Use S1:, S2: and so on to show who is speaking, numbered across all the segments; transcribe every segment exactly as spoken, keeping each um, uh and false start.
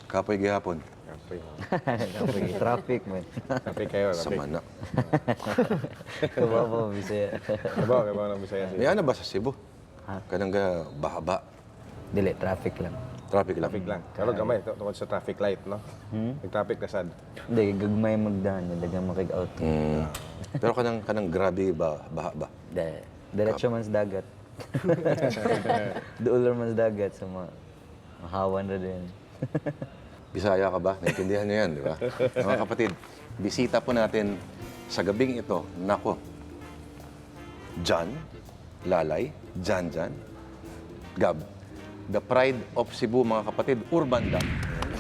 S1: Kapoy gihapon.
S2: Kapoy.
S3: Kapoy, traffic man.
S2: Kapoy kayo,
S1: Sa
S2: kapoy.
S1: mana.
S3: Kababaw, Bisaya.
S2: Kabaw, kabaw ng Bisaya.
S1: May ano ba sa Cebu?
S3: Ha?
S1: Kanang ga bahaba.
S3: Dili, traffic lang.
S1: Traffic lang.
S2: Traffic lang. Pero gamay, ito tungkol sa traffic light, no?
S3: Hmm?
S2: Nag-traffic na sad.
S3: Hindi, gagmay magdaan. Dagang makig-out.
S1: Mm. Pero kanang kanang grabe ba baha ba?
S3: Dahil, diretso man sa dagat. Duular man sa dagat sa mga mahawan na din.
S1: Bisaya ka ba? Naintindihan niyo yan, di ba? Mga kapatid, bisita po natin sa gabing ito, nako, Jan, Lalay, Jan Jan, Gab, the pride of Cebu, mga kapatid, Urban Dam.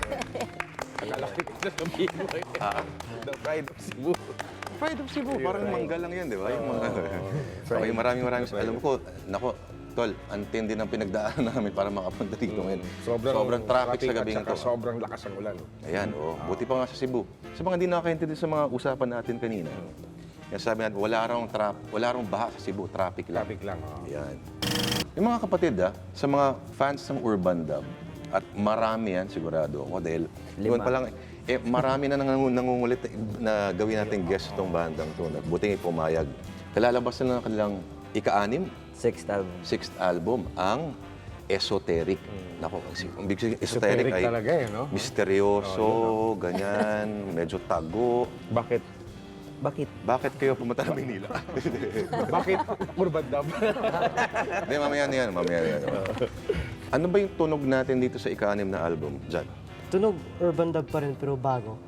S2: Akala ko ito sabihin mo.
S1: Ah,
S2: The pride of Cebu.
S1: pride of Cebu, parang mangga lang yan, di ba? Yung mga... Okay, maraming maraming... Alam ko, nako, Tol, ang tindi ng pinagdaanan namin para makapunta dito ngayon.
S2: Sobrang,
S1: Sobrang traffic sa
S2: at
S1: gabing
S2: saka
S1: ito.
S2: Sobrang lakas ng ulan.
S1: Ayan, oh. Buti pa nga sa Cebu. Sa mga hindi nakakaintindi sa mga usapan natin kanina, yan sabi natin, wala raw trap, wala raw baha sa Cebu, traffic lang.
S2: Traffic lang. Oh.
S1: Ayan. Yung mga kapatid, ah, sa mga fans ng Urban Dam, at marami yan, sigurado ako, dahil yun pa lang, eh, marami na nang, nangungulit na gawin natin guest itong bandang to. Buti nga pumayag. Kalalabas na ng kanilang ika-anim,
S3: Sixth album.
S1: sixth album, ang Esoteric. Nako, ang big sabihin,
S2: Esoteric
S1: esoteric ay
S2: talaga eh, no?
S1: misteryoso, ganyan, medyo tago.
S2: Bakit?
S3: Bakit?
S1: Bakit kayo pumunta ng Maynila?
S2: Bakit Urban Dam?
S1: Hindi, mamaya na yan, mamaya na yan. Ano ba yung tunog natin dito sa ika-anim na album, Jan?
S4: Tunog urban dub pa rin pero bago.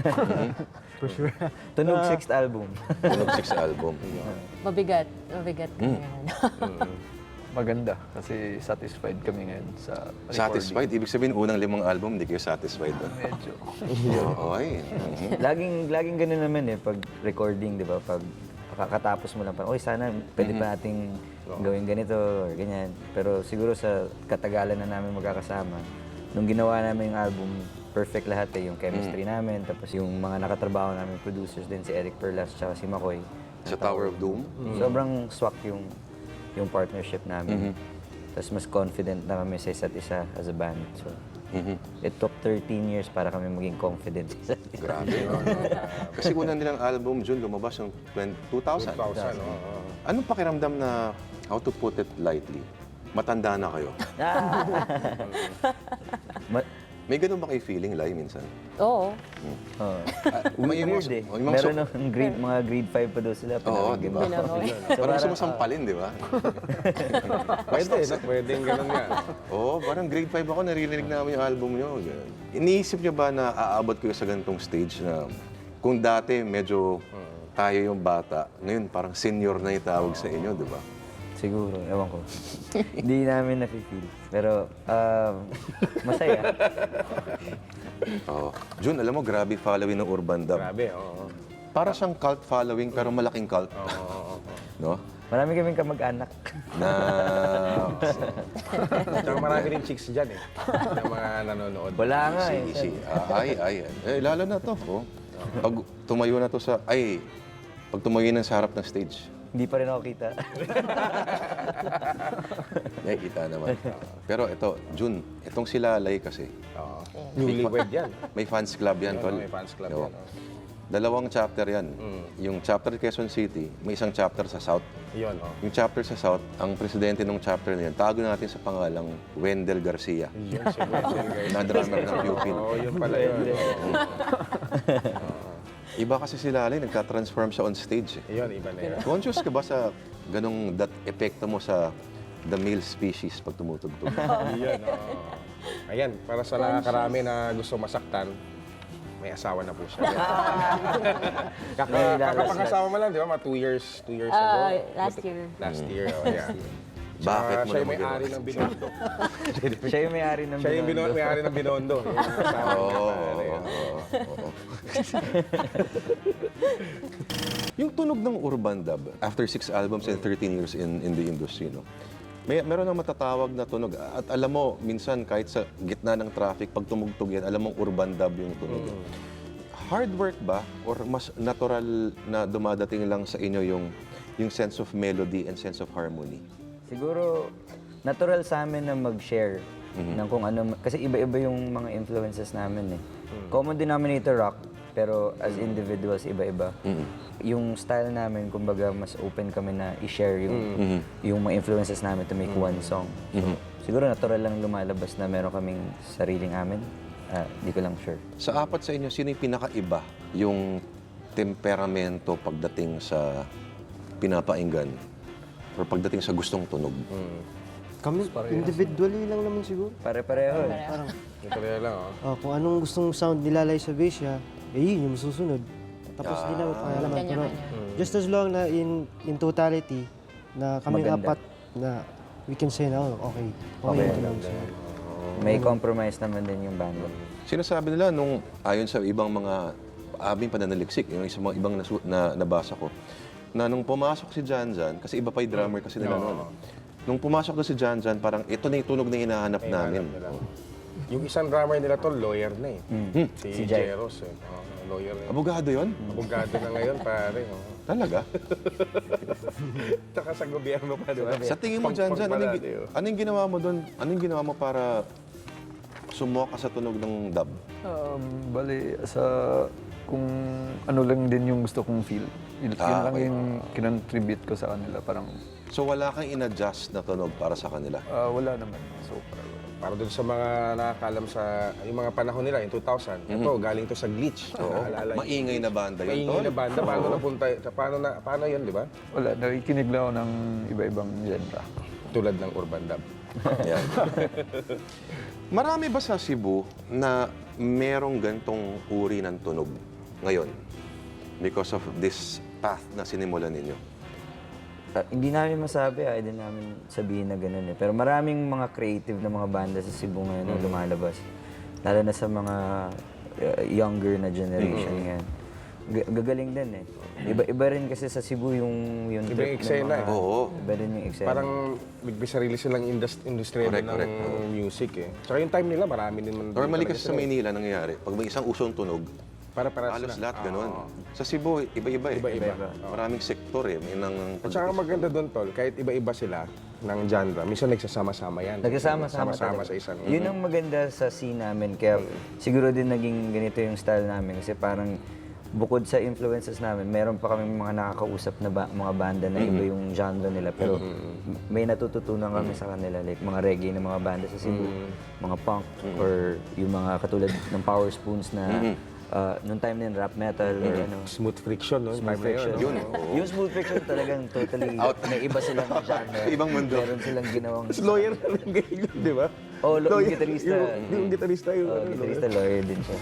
S4: For sure.
S3: Tunog sixth album.
S1: Tunog sixth album.
S5: Mabigat. Mabigat kami ngayon.
S6: Maganda kasi satisfied kami ngayon sa recording.
S1: Satisfied? Ibig sabihin, unang limang album, hindi kayo satisfied doon.
S6: Medyo.
S1: Oo, ay. Mhm.
S3: laging, laging ganun naman eh, pag recording, di ba? Pag kakatapos mo lang, parang, oy, sana pwede pa nating gawin ganito or ganyan. Pero siguro sa katagalan na namin magkakasama, nung ginawa namin yung album, perfect lahat eh. Yung chemistry namin, tapos yung mga nakatrabaho namin, producers din, si Eric Perlas, tsaka si Makoy.
S1: Sa Tower of Doom?
S3: Sobrang swak yung yung partnership namin. Tapos mas confident na kami sa isa't isa as a band. So, it took thirteen years para kami maging confident sa isa't isa.
S1: Grabe. Kasi unang nilang album, June, lumabas ng two thousand.
S2: two thousand, oo.
S1: Anong pakiramdam na, how to put it lightly, matanda na kayo?
S3: Ma-
S1: May ganun ba kayo feeling, Lai, minsan?
S5: Oo.
S3: oh.
S1: Ah, may
S3: Weird
S1: mga-
S3: eh.
S1: oh, yung mga
S3: Meron
S1: so-
S3: ng grade, mga grade five pa daw sila.
S1: Oo,
S3: pinakinggan
S1: di ba?
S3: mo.
S5: Pinanood.
S3: So,
S1: Parang
S3: parang,
S1: sumasampalin, di ba?
S2: Pwede, no? Pwedeng ganun nga.
S1: Oo, parang grade five ako, naririnig namin yung album nyo. Ganun. Iniisip nyo ba na aabot kayo sa ganitong stage na kung dati medyo tayo yung bata, ngayon parang senior na itawag sa inyo, di ba?
S3: siguro, ewan ko. Hindi namin nafe-feel. Pero, um, masaya.
S1: Oo. Jun, alam mo, grabe following ng Urban Dam.
S2: Grabe, oo.
S1: Para siyang cult following, pero malaking cult. No?
S3: Marami kaming kamag-anak.
S1: Na...
S2: Tsaka marami rin chicks dyan eh. Ng mga nanonood.
S3: Wala nga
S1: Easy,
S3: eh.
S1: easy. Ah, ay, ay. Eh, lalo na to. Oh. Pag tumayo na to sa... Ay, pag tumayo na sa harap ng stage,
S3: Hindi pa rin ako kita.
S1: nakikita naman. Pero ito, Jun, itong si Lalay kasi,
S2: Oo. Newlywed yan.
S1: may fans club yan,
S2: Oo,
S1: tol.
S2: may fans club
S1: Oo.
S2: yan, oh.
S1: Dalawang chapter yan. Yung chapter Quezon City, may isang chapter sa South.
S2: Yun, oh.
S1: Yung chapter sa South, ang presidente ng chapter na yan, tago natin sa pangalang Wendell Garcia,
S2: Yun, si Wendell guys.
S1: na drummer ng Pupil.
S2: Oo, yun pala yun. Oo.
S1: Iba kasi si Lalay, nagka-transform siya on stage. Eh.
S2: Yun, iba na yun.
S1: Conscious ka ba sa ganong that epekto mo sa the male species pag tumutugtog?
S2: Yun, oo. Ayan, para sa nakakarami na gusto masaktan, may asawa na po siya. Kaka,
S3: May lalas
S2: kakapag-asawa mo lang, di ba? Mga two years, two years ago.
S5: Ah, last year.
S2: Last year, oh, yeah.
S1: Bakit mo
S2: siya
S1: naman
S2: yung may-ari
S1: ginawa?
S2: ng Binondo.
S3: Siya yung may-ari ng
S2: Siya yung bino-
S3: Binondo.
S2: may-ari ng Binondo. Yung asawa
S1: Oo,
S2: niya,
S1: oo,
S2: pare,
S1: oo,
S2: oh.
S1: oo. Yung tunog ng Urban Dub, after six albums and thirteen years in in the industry, no? May meron nang matatawag na tunog. At alam mo, minsan kahit sa gitna ng traffic, pag tumugtog yan, alam mong Urban Dub yung tunog. Hard work ba? Or mas natural na dumadating lang sa inyo yung yung sense of melody and sense of harmony?
S3: Siguro, natural sa amin na mag-share ng kung ano, kasi iba-iba yung mga influences namin eh. Common denominator rock, pero as individuals, iba-iba. Yung style namin, kumbaga, mas open kami na i-share yung, yung mga influences namin to make one song. So, siguro natural lang lumalabas na meron kaming sariling amin. Ah, di ko lang sure.
S1: Sa apat sa inyo, sino yung pinakaiba yung temperamento pagdating sa pinapainggan or pagdating sa gustong tunog?
S4: Kami, individually lang naman siguro.
S3: Pare-pareho eh.
S4: Parang,
S2: Ito rin lang, oh.
S4: oh, kung anong gustong sound nilalay sa bass niya, eh yun yung susunod. Tapos di namin pakialaman. Pero
S5: Kanya-kanya.
S4: just as long na in in totality, na kami
S3: Maganda.
S4: apat na we can say na, oh, okay. Okay,
S3: Okay.
S4: yung tunog siya.
S3: May compromise naman din yung banda.
S1: Sinasabi nila nung ayon sa ibang mga aming pananaliksik, yung sa mga ibang nasu- na, nabasa ko, na nung pumasok si Jan Jan, kasi iba pa yung drummer kasi nila noon. Nung pumasok na si Jan Jan, parang ito na yung tunog na hinahanap namin.
S2: Nila. Yung isang drummer nila to, lawyer na eh. Si,
S3: Si Jai.
S2: Jeros eh. Oh, lawyer na.
S1: Abogado yon?
S2: Abogado na ngayon, pare. Oh.
S1: Talaga?
S2: Tsaka sa gobyerno pa, di ba?
S1: Sa tingin mo, Jan Jan, anong, gi-
S2: oh.
S1: anong ginawa mo doon? Anong ginawa mo para sumuha ka sa tunog ng dub?
S6: Um, bali, sa kung ano lang din yung gusto kong feel. Yun, yun
S1: Ah,
S6: lang
S1: okay.
S6: yung kinontribute ko sa kanila. Parang
S1: So wala kang in-adjust na tunog para sa kanila?
S6: ah, wala naman. So,
S2: Para dun sa mga nakakalam sa yung mga panahon nila, in two thousand, ito, galing to sa Glitch.
S1: Oo.
S2: Naalala niyo?
S1: Maingay na banda yun,
S2: Maingay
S1: Tol.
S2: na banda. Paano napunta? Paano, na, paano yun, di ba?
S6: wala. Nakikinig lang ako ng iba-ibang genre.
S2: Tulad ng urban dub.
S1: Yan. Marami ba sa Cebu na merong gantong uri ng tunog ngayon? Because of this path na sinimulan ninyo?
S3: Ah, hindi namin masabi, ay din namin sabihin na gano'n eh. Pero maraming mga creative na mga banda sa Cebu ngayon na lumalabas. Lalo na sa mga uh, younger na generation ngayon. G- gagaling din eh. Iba-iba rin kasi sa Cebu yung, yung
S2: Iba yung
S3: trip ng
S2: eksena
S3: mga-
S2: eh.
S1: Oo.
S3: Iba rin yung eksena.
S2: Parang may sarili silang indus- industriya
S1: Correct,
S2: din ng
S1: correct. Oo.
S2: music eh. Tsaka yung time nila, marami din man.
S1: Normally
S2: talaga
S1: kasi sa
S2: sila eh.
S1: Maynila nangyayari, pag may isang usong tunog,
S2: Para para
S1: halos
S2: sila.
S1: lahat ganun.
S2: Oo.
S1: Sa Cebu, iba-iba eh.
S2: Iba-iba.
S1: Maraming sektor eh. May nang
S2: At saka maganda doon, Tol, kahit iba-iba sila ng genre, minsan nagsasama-sama yan.
S3: Nagsasama-sama
S2: Nagsasama
S3: talaga.
S2: sa isang...
S3: Yun ang maganda sa scene namin. Kaya siguro din naging ganito yung style namin. Kasi parang bukod sa influences namin, meron pa kami mga nakakausap na ba- mga banda na iba yung genre nila. Pero may natututunan kami sa kanila. Like mga reggae na mga banda sa Cebu, mga punk, or yung mga katulad ng Power Spoons na uh, nung time na yun, rap metal or ano.
S2: Smooth friction, no?
S3: Smooth
S2: Time na
S3: Friction.
S2: Yun,
S3: Yung Smooth Friction talagang totally, may iba silang genre.
S1: Ibang mundo.
S3: Meron silang ginawang...
S2: Tapos lawyer na lang ganyan, di ba?
S3: Oh, lo- yung
S2: Lawyer,
S3: gitarista.
S2: Yung, yung gitarista, yung...
S3: Oh,
S2: ano,
S3: gitarista, lawyer din siya.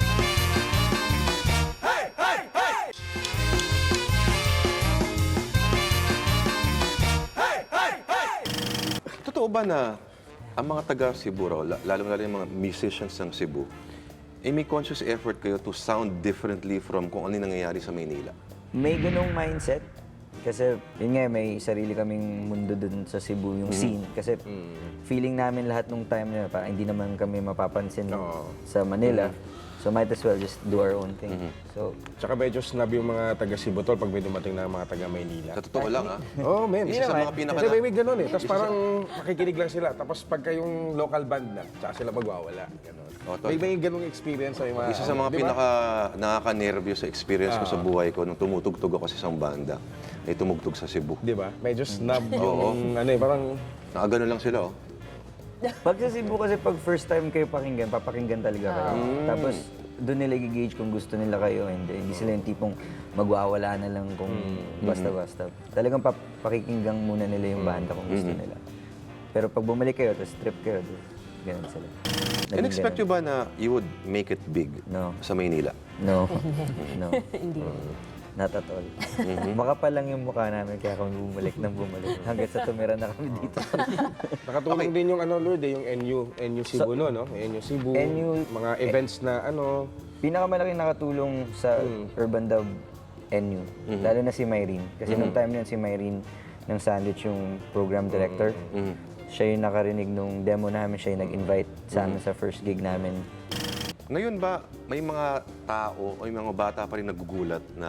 S1: Totoo ba na ang mga taga Cebu raw, la- lalo-lalo yung mga musicians ng Cebu, eh may conscious effort kayo to sound differently from kung ano yung nangyayari sa Maynila?
S3: May ganong mindset. Kasi, yun nga, may sarili kaming mundo dun sa Cebu, yung scene. Kasi, feeling namin lahat nung time na, parang hindi naman kami mapapansin
S2: Oo.
S3: sa Manila. So, might as well just do our own thing. So,
S2: Tsaka medyo snub yung mga taga Cebu, Tol, pag may dumating na mga taga Maynila.
S1: Sa totoo lang, ah.
S2: Oh, man.
S1: Isa sa mga pinaka-
S2: Kasi may, may ganun eh. Tapos parang makikinig lang sila. Tapos pagka yung local band na, tsaka sila magwawala. Ganun.
S1: Oh, Tol.
S2: may, may ganung experience sa mga...
S1: Isa sa mga
S2: Di ba?
S1: pinaka nakaka-nervyo sa experience ko sa buhay ko nung tumutugtog ako sa isang banda, ay tumugtog sa Cebu.
S2: Di ba? Medyo snub yung ano eh, parang...
S1: Nakagano lang sila, oh.
S3: pag sa Cebu kasi pag first time kayo pakinggan, papakinggan talaga kayo. Tapos, doon nila i-gauge kung gusto nila kayo. Hindi, hindi sila yung tipong magwawala na lang kung basta-basta. Talagang pap- pakikinggan muna nila yung banda kung gusto nila. Pero pag bumalik kayo, tapos trip kayo, di- ganun sila. Naging
S1: In-expect
S3: ganun.
S1: nyo ba na you would make it big
S3: No.
S1: sa Maynila?
S3: No. No.
S5: Hindi.
S3: Not at all. Makapal lang yung mukha namin kaya kami bumalik nang bumalik. Hanggang sa tumira na kami dito.
S2: Nakatulong din yung ano, Lord, eh, yung N U, N U Cebu, no, no? N U Cebu,
S3: N U
S2: mga events na ano...
S3: Pinakamalaking nakatulong sa Urban Dub N U, lalo na si Myrene. Kasi nung time na yun, si Myrene ng Sandwich yung program director. Siya yung nakarinig nung demo namin, siya yung nag-invite sa amin sa first gig namin.
S1: Ngayon ba, may mga tao o may mga bata pa rin nagugulat na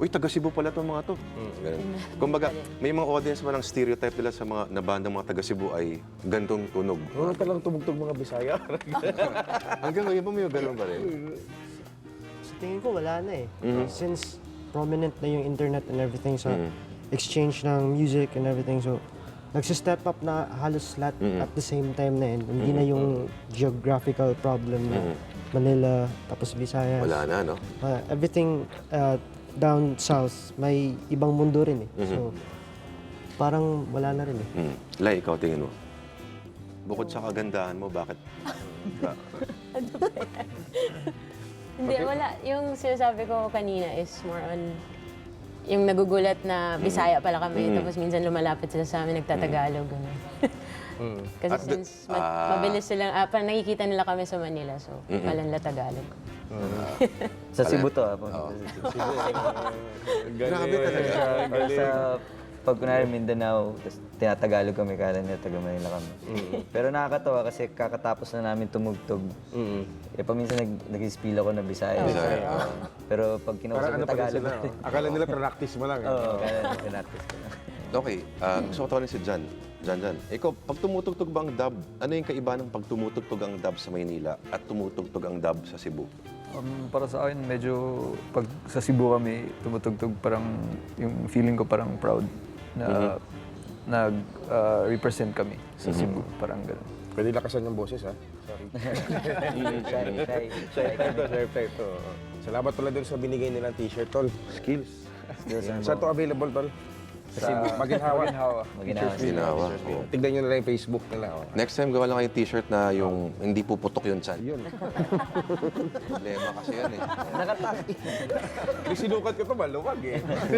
S1: uy, taga Cebu pala itong mga to. Ganun. Kumbaga, may mga audience ba ng stereotype nila sa mga na bandang mga taga Cebu ay gantong tunog.
S2: Ano talang tumugtog mga Bisaya?
S1: Hanggang ngayon ba may ganun pa rin?
S4: Sa tingin ko, wala na eh. Since prominent na yung internet and everything sa exchange ng music and everything, so nagsi-step up na halos lahat at the same time na yun. Hindi na yung geographical problem na Manila, tapos Visayas.
S1: Wala na, no?
S4: Uh, everything uh, down south, may ibang mundo rin eh. So, parang wala na rin eh.
S1: Mm. Lai, ikaw tingin mo? Bukod sa kagandahan mo, bakit? Ba-
S5: Hindi, wala. Yung sinasabi ko kanina is more on yung nagugulat na Bisaya pala kami, tapos minsan lumalapit sila sa amin, nagtatagalog. Gano'n. Kasi
S1: At the-
S5: since ma-
S1: ah.
S5: mabilis silang, ah, parang nakikita nila kami sa Manila, so kala nila Tagalog.
S3: Sa Cebu to, ah.
S1: Grabe talaga.
S3: Or sa, pag kunwari Mindanao, tapos tinatagalog kami, kala nila taga Manila kami. Pero nakakatawa kasi kakatapos na namin tumugtog. Eh, paminsan nag, nag-spill ako na Bisaya.
S1: Bisaya,
S3: So, pero pag kinausap
S2: Parang
S3: ko
S2: ano pa rin
S3: Tagalog,
S2: sila. oh. Akala nila practice mo lang. eh.
S3: oo, kaya pinaktis ko na.
S1: Okay, ah, gusto ko tawanin si Jan. Jan, Jan. Ikaw, pag tumutugtog ba ang dub, ano yung kaiba ng pag tumutugtog ang dub sa Maynila at tumutugtog ang dub sa Cebu?
S6: Um, para sa akin, medyo pag sa Cebu kami tumutugtog, parang yung feeling ko parang proud na nag-represent kami sa Cebu. Parang gano'n.
S2: Pwede lakasan yung boses, ha? Sorry.
S3: Shy, shy, shy.
S2: Ito, sir, ito. Salamat pala dun sa binigay nilang t-shirt, tol. Skills. Saan to available, tol? Sa Maginhawa.
S6: Maginhawa.
S3: Maginawa sila.
S1: Ginawa.
S2: Oh. Tignan nyo na lang yung Facebook nila. Oh.
S1: Next time, gawa lang kayong t-shirt na yung hindi puputok yung chan.
S2: Yun.
S1: Problema kasi yan eh.
S2: Yung sinukat ko to, maluwag eh.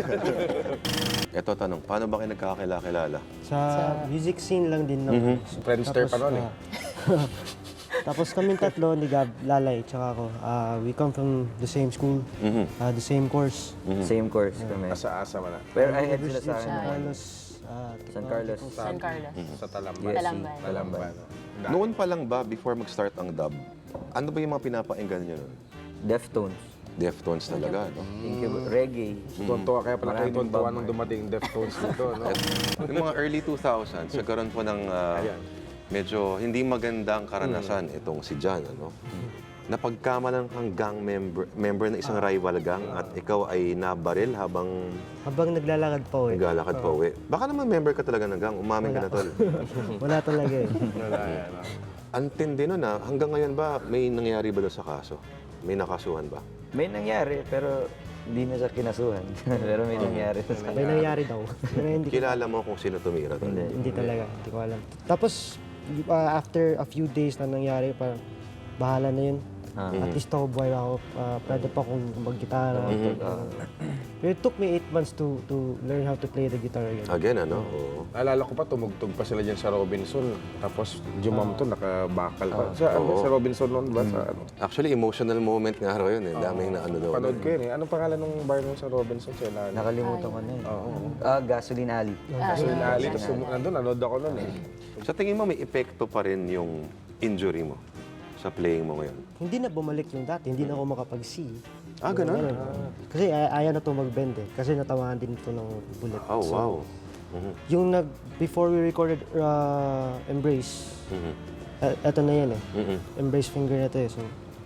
S1: Ito tanong, paano ba kayo nagkakakilala?
S4: Sa music scene lang din naman.
S2: Friendster pa nun eh.
S4: ah, tapos kaming tatlo, ni Gab, Lalay, tsaka ako, ah, we come from the same school, ah, the same course.
S3: Same course kami.
S2: Asa-asa man na.
S3: Pero ahead sila sa
S4: San
S3: akin.
S4: Carlos, ah,
S3: San Carlos.
S5: San Carlos.
S2: Sa Talamban.
S3: Yes.
S5: Talamban.
S2: Talamban.
S1: Noon pa lang ba, before mag-start ang dub, ano ba yung mga pinapainggan nyo nun?
S3: Deftones.
S1: Deftones talaga, no?
S3: Incub- reggae.
S2: Tuntua, kaya pala kayo
S3: Maraming
S2: tuntua
S3: Bob
S2: nung dumating Deftones dito, no?
S1: Yung mga early two thousands, nagkaroon po ng ah,
S2: Ayan.
S1: medyo hindi magandang karanasan itong si Jan, ano? Napagkamalan kang gang member, member ng isang rival gang at ikaw ay nabaril habang
S4: Habang naglalakad pa eh.
S1: naglalakad pa uwi. Baka naman member ka talaga ng gang, umamin ka na tol.
S4: Wala talaga eh.
S2: Wala yan, no?
S1: Ang tindi nun ah, hanggang ngayon ba may nangyari ba doon sa kaso? May nakasuhan ba?
S3: May nangyari, pero hindi na siya kinasuhan. pero may nangyari sa
S4: May nangyari daw. Pero hindi,
S1: Kilala mo kung sino tumira tol?
S3: Hindi.
S4: hindi talaga, hindi ko alam. Tapos, ah, after a few days na nangyari, parang bahala na yun.
S3: Ah.
S4: At least ako, buhay ako. ah, pwede pa akong mag-gitara. Ah, pero it took me eight months to to learn how to play the guitar again.
S1: Again, ano? Oo.
S2: Naalala ko pa, tumugtog pa sila dyan sa Robinson. Tapos, Jumam to, nakabakal pa. Sa, ano,
S1: Oo.
S2: sa Robinson noon ba? Sa, ano?
S1: Actually, emotional moment nga raw yun eh. Daming na ano daw.
S2: Panood ko yun eh. Anong pangalan ng bar nun sa Robinson? Siya, na,
S3: Nakalimutan ko na yun. Ah, Gasoline Alley.
S2: Gasoline Alley. Tapos, tumu- nandun, nanood ako nun eh.
S1: Sa tingin mo, may epekto pa rin yung injury mo sa playing mo ngayon?
S4: Hindi na bumalik yung dati, hindi na ako makapag-see.
S1: Ah, ganun?
S4: Kasi ay- ayaw na to mag-bend eh. Kasi natamaan din ito ng bullet.
S1: Oh,
S4: So,
S1: wow. Mhm.
S4: yung nag, before we recorded uh, Embrace,
S1: Mhm.
S4: uh, eto na yan eh.
S1: Mhm.
S4: Embrace finger na to eh. So,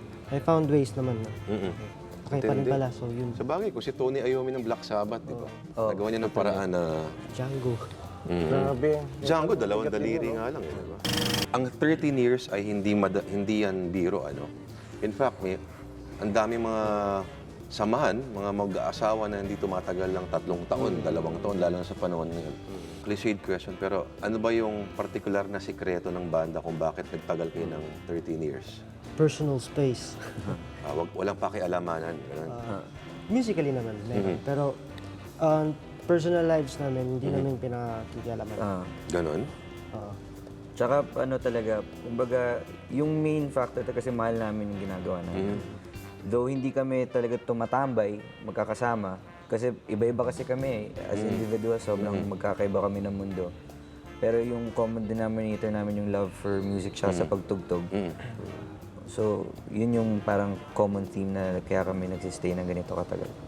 S4: I found ways naman na.
S1: Mhm.
S4: Okay pa rin
S1: Intindi.
S4: pala. So, yun,
S1: Sa bagay, kung si Tony Iommi ng Black Sabbath, di ba? Nagawa niya ng paraan na...
S4: Django.
S1: Mhm.
S2: Grabe.
S1: Django, dalawang daliri nga lang, eh, di ba? Ang thirteen years ay hindi mada- hindi yan biro, ano? In fact, may ang dami mga samahan, mga mag-aasawa na hindi tumatagal ng tatlong taon, dalawang taon, lalo na sa panahon ngayon. Cliched question, pero ano ba yung particular na sikreto ng banda kung bakit nagtagal kayo ng thirteen years?
S4: Personal space.
S1: Ah, wag, walang pakialamanan. Ganun.
S4: Uh, musically naman, meron. Pero, uh, personal lives namin, hindi namin pinakikialaman.
S3: Ah.
S1: Ganon?
S4: Oo.
S3: Tsaka ano talaga, kumbaga, yung main factor talaga kasi mahal namin yung ginagawa namin. Though hindi kami talaga tumatambay, magkakasama, kasi iba-iba kasi kami eh. As individuals, sobrang magkakaiba kami ng mundo. Pero yung common denominator namin yung love for music siya sa pagtugtog.
S1: Mm.
S3: So, yun yung parang common theme na kaya kami nagsistay ng ganito katagal.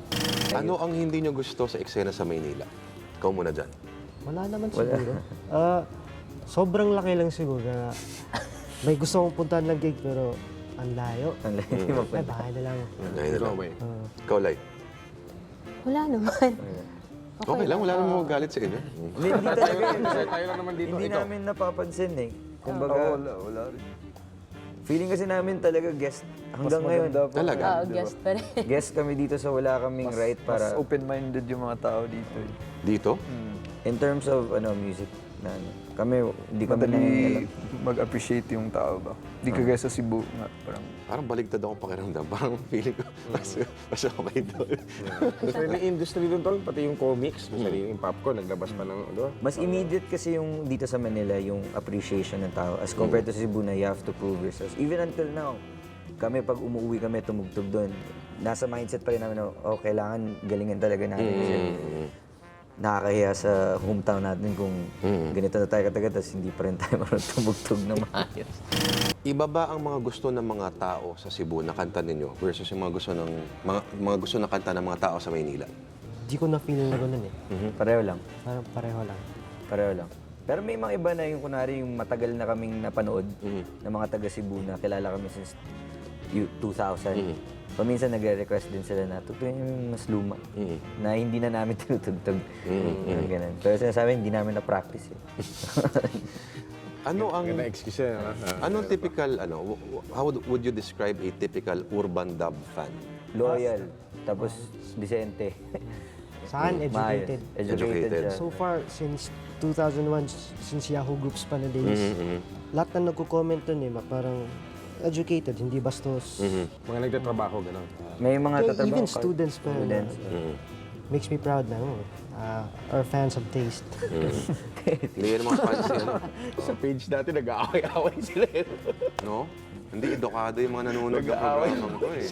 S1: Ano ang hindi nyo gusto sa eksena sa Maynila? Ikaw muna dyan.
S4: Wala naman siguro. Ah, sobrang laki lang siguro na may gusto kong puntahan ng gig pero ang layo.
S3: Ang layo
S4: Ay,
S3: magpunta.
S4: bahay na lang.
S1: Ngayon na
S2: Go
S1: lang.
S2: away.
S1: Ikaw, Lai.
S5: Wala naman.
S1: Okay lang, wala namang magalit sa inyo. Mm.
S3: Hindi, hindi talaga yun.
S2: Kasi tayo lang naman dito.
S3: Hindi
S2: Ikaw.
S3: namin napapansin eh. Kumbaga,
S6: Oo, wala, wala rin.
S3: feeling kasi namin talaga guest hanggang ngayon.
S1: Talaga?
S5: Oo, guest pa rin.
S3: Guest kami dito sa wala kaming right
S6: Mas
S3: para
S6: open-minded yung mga tao dito. Eh.
S1: Dito?
S3: in terms of ano music na ano. Kami hindi kami
S6: Madali
S3: nangingialam.
S6: mag-appreciate yung tao ba? Di kagaya sa Cebu nga, parang
S1: Parang baligtad akong pakiramdam. Parang feeling ko, mas, mas okay doon.
S2: Kasi may industry doon, tol. Pati yung comics, may sariling popcorn, naglabas pa ng, ano?
S3: Mas immediate kasi yung dito sa Manila yung appreciation ng tao as compared to Cebu na you have to prove yourself. Even until now, kami pag umuwi kami tumugtog doon, nasa mindset pa rin namin na oh, kailangan galingan talaga natin kasi nakakahiya sa hometown natin kung ganito na tayo katagal tapos hindi pa rin tayo marunong tumugtog na maayos.
S1: Iba ba ang mga gusto ng mga tao sa Cebu na kanta ninyo versus yung mga gusto ng mga, mga gusto na kanta ng mga tao sa Maynila?
S4: Di ko na-feel na gano'n eh.
S3: Pareho lang.
S4: Parang pareho lang.
S3: Pareho lang. Pero may mga iba na yung kunwari yung matagal na kaming napanood ng mga taga Cebu na kilala kami since you- two thousand. Paminsan nagre-request din sila na tutuin yung mas luma na hindi na namin tinutugtog. Yung ganun. Pero sinasabi, hindi namin na-practice eh.
S1: Ano ang
S2: Ganda excuse yan, ha?
S1: anong typical ano w- w- how would, would you describe a typical urban dub fan?
S3: Loyal, tapos decente.
S4: Sa akin,
S3: Maayos.
S4: educated.
S3: Educated
S1: Educated.
S3: siya.
S4: So far, since two thousand one, since Yahoo Groups pa na days, lahat na nagko-comment dun eh, ma- parang educated, hindi bastos.
S2: Mga nagtatrabaho, gano'n.
S3: May mga
S4: Kaya
S3: tatrabaho
S4: even
S3: ka-
S4: students pa na,
S3: Students.
S4: makes me proud na, oh, uh, our fans of taste.
S1: Hindi yan mga fans yan,
S2: Sa page dati, nag-aaway-aaway sila. eh.
S1: no? Hindi edukado yung mga nanonood ng programang to eh.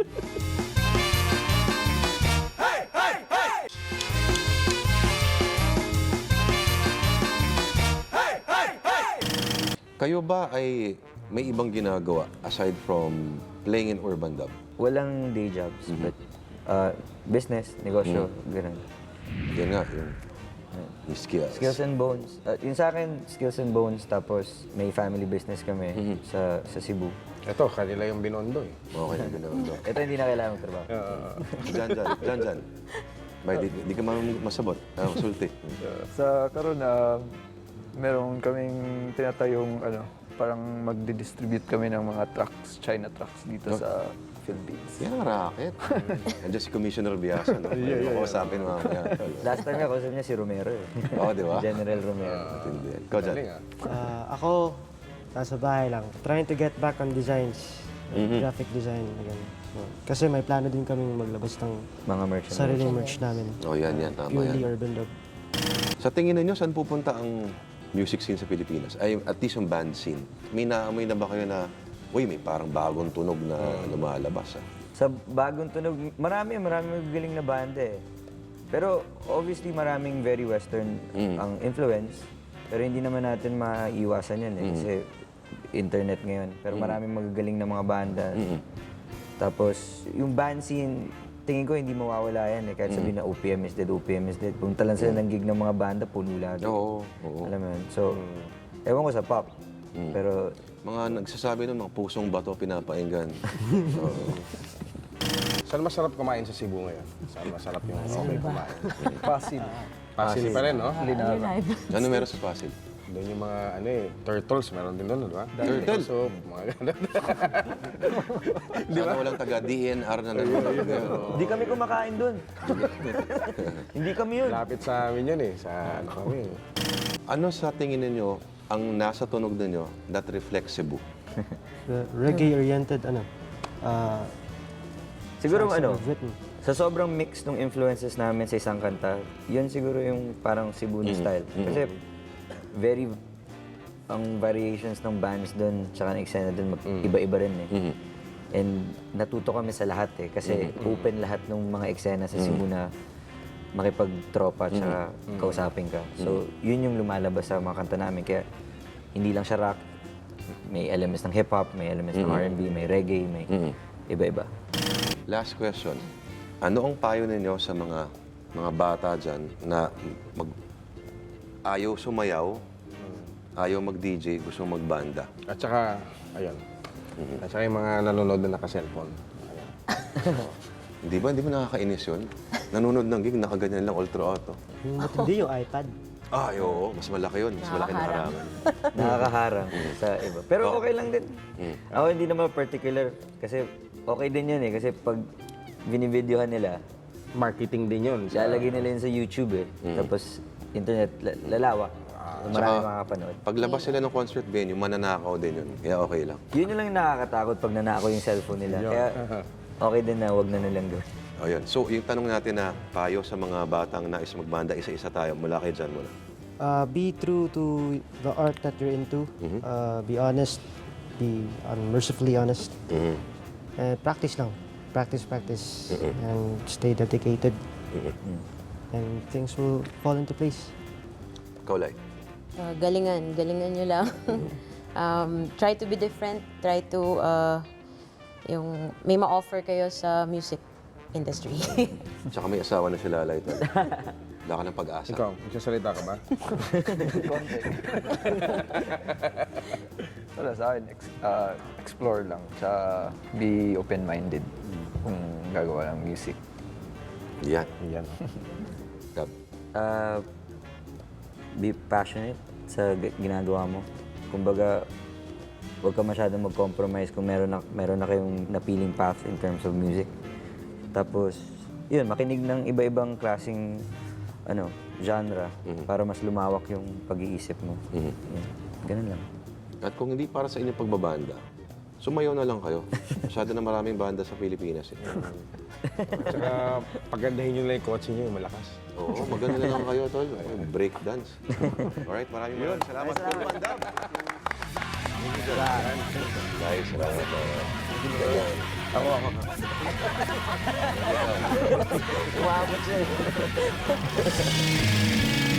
S1: Kayo ba ay may ibang ginagawa aside from playing in urban dub?
S3: Walang day jobs, but uh, business, negosyo, ganun.
S1: Yan nga, yung, yung skills.
S3: Skills and Bones. Uh, yung sa akin, Skills and Bones, tapos may family business kami sa sa Cebu.
S2: Ito, kanila yung binondo eh.
S1: Okay na binondo.
S3: Ito hindi na kailangan magtrabaho.
S1: Diyan, diyan, diyan, diyan. Bay, di, di ka mam- masabot. Ah, masulti.
S6: sa karon na meron kaming tinatayong ano, parang magdi-distribute kami ng mga trucks, China trucks dito sa Philippines.
S1: Yan ang racket. Andiyan si Commissioner Biasa, no? Yeah, yeah, Makausapin mamaya.
S3: Last time nga, kausap niya si Romero eh.
S1: Oo, di ba?
S3: General Romero.
S1: Matindi. Ikaw dyan.
S2: Galing, ah.
S4: Uh, ako, nasa bahay lang. Trying to get back on designs. Graphic design. Ganun. So, kasi may plano din kaming maglabas ng
S3: Mga merchant.
S4: sariling merch namin.
S1: Oh, yan, yan. Tama
S4: Purely
S1: yan.
S4: urban dub.
S1: Sa tingin ninyo, saan pupunta ang music scene sa Pilipinas? Ay, at least yung band scene. May naamoy na ba kayo na, uy, may parang bagong tunog na lumalabas, ah?
S3: Sa bagong tunog, marami, marami magaling na banda eh. Pero obviously maraming very western ang influence. Pero hindi naman natin maiiwasan yan eh. Kasi internet ngayon. Pero maraming magagaling na mga banda. Tapos yung band scene, tingin ko hindi mawawala yan eh. Kahit sabihin na O P M is dead, O P M is dead. Kung talan sila ng gig ng mga banda, puno lagi.
S1: Oo, oo.
S3: Alam mo yun? So, ewan ko sa pop. Pero
S1: Mga nagsasabi ng mga pusong bato pinapainggan. Oo.
S2: Saan masarap kumain sa Cebu ngayon? Saan masarap yung okay kumain?
S6: Pasig.
S2: Pasig pa rin, no?
S5: Live.
S1: Ano meron sa Pasig?
S2: Doon yung mga, ano eh, turtles, meron din doon, di ba?
S1: Turtle?
S2: Soup, mga ganun.
S1: Sana walang taga D N R na nanonood ngayon.
S3: hindi kami kumakain dun. hindi kami yun.
S2: Lapit sa amin yun eh, sa ano kami.
S1: Ano sa tingin ninyo ang nasa tunog ninyo that reflects Cebu?
S4: The reggae-oriented, ano, uh,
S3: Siguro
S4: songs that
S3: ano,
S4: we've written.
S3: sa sobrang mix ng influences namin sa isang kanta, yun siguro yung parang Cebu na style. Kasi very, ang variations ng bands doon, tsaka ng eksena doon, iba-iba rin eh. And natuto kami sa lahat eh, kasi open lahat ng mga eksena sa Cebu na makipagtropa tsaka kausapin ka. So, yun yung lumalabas sa mga kanta namin. Kaya hindi lang siya rock, may elements ng hip-hop, may elements ng R and B, may reggae, may iba-iba.
S1: Last question. ano ang payo ninyo sa mga mga bata dyan na mag, ayaw sumayaw, ayaw mag-D J, gusto magbanda?
S2: At saka, ayun. At saka yung mga nanonood na naka-cellphone. Ayan.
S1: Hindi ba? Hindi ba nakakainis yun? Nanonood ng gig, nakaganyan lang, ultra auto.
S4: Yung matindi yung iPad.
S1: Ay, oo. Mas malaki yun. Mas malaki na
S5: Nakakaharang.
S1: harangan.
S3: Nakakaharang sa iba. Pero
S1: Oo.
S3: okay lang din.
S1: Mm.
S3: Ako hindi naman particular kasi okay din yun eh. Kasi pag binibidyohan nila,
S2: Marketing din yun.
S3: lalagay nila yun sa YouTube eh. Tapos internet, la- lalawak. Marami
S1: Tsaka,
S3: makakapanood.
S1: Paglabas sila ng concert venue, mananakaw din yun. Kaya okay lang.
S3: Yun yung lang nakakatakot pag nanako yung cellphone nila. Kaya okay din na wag na nilang gawin.
S1: O yun. So, yung tanong natin na payo sa mga batang nais magbanda, isa-isa tayo. Mula kay Jan muna.
S4: Uh, be true to the art that you're into. Uh, be honest. Be unmercifully honest.
S1: Mhm.
S4: And practice lang. Practice, practice. And stay dedicated. And things will fall into place.
S1: Ikaw, Lai.
S5: Uh, galingan, galingan nyo lang. um, try to be different, try to, uh, yung, may ma-offer kayo sa music industry.
S1: Tsaka may asawa na si Lalay. Tol. Wala ka ng pag-asa.
S2: Ikaw, magsasalita ka ba?
S6: Wala sa akin, ex- ah, explore lang. Tsaka be open-minded kung gagawa ng music.
S1: Yan.
S2: Yan.
S1: Gab.
S3: Uh, be passionate sa g- ginagawa mo. Kumbaga, huwag ka masyadong mag-compromise kung meron na, meron na kayong napiling path in terms of music. Tapos, yun, makinig ng iba-ibang klaseng ano, genre para mas lumawak yung pag-iisip mo.
S1: Mhm.
S3: Yun. Ganun lang.
S1: At kung hindi para sa inyong pagbabanda, sumayaw na lang kayo. Masyado na maraming banda sa Pilipinas. Eh.
S2: At saka, pagandahin nyo lang yung kotse nyo, yung malakas.
S1: Oo, maganda na lang kayo, Tol. Break dance. Alright, maraming maraming salamat. Salamat. Guys, salamat.
S2: Ako, ako.
S3: Umabot siya eh.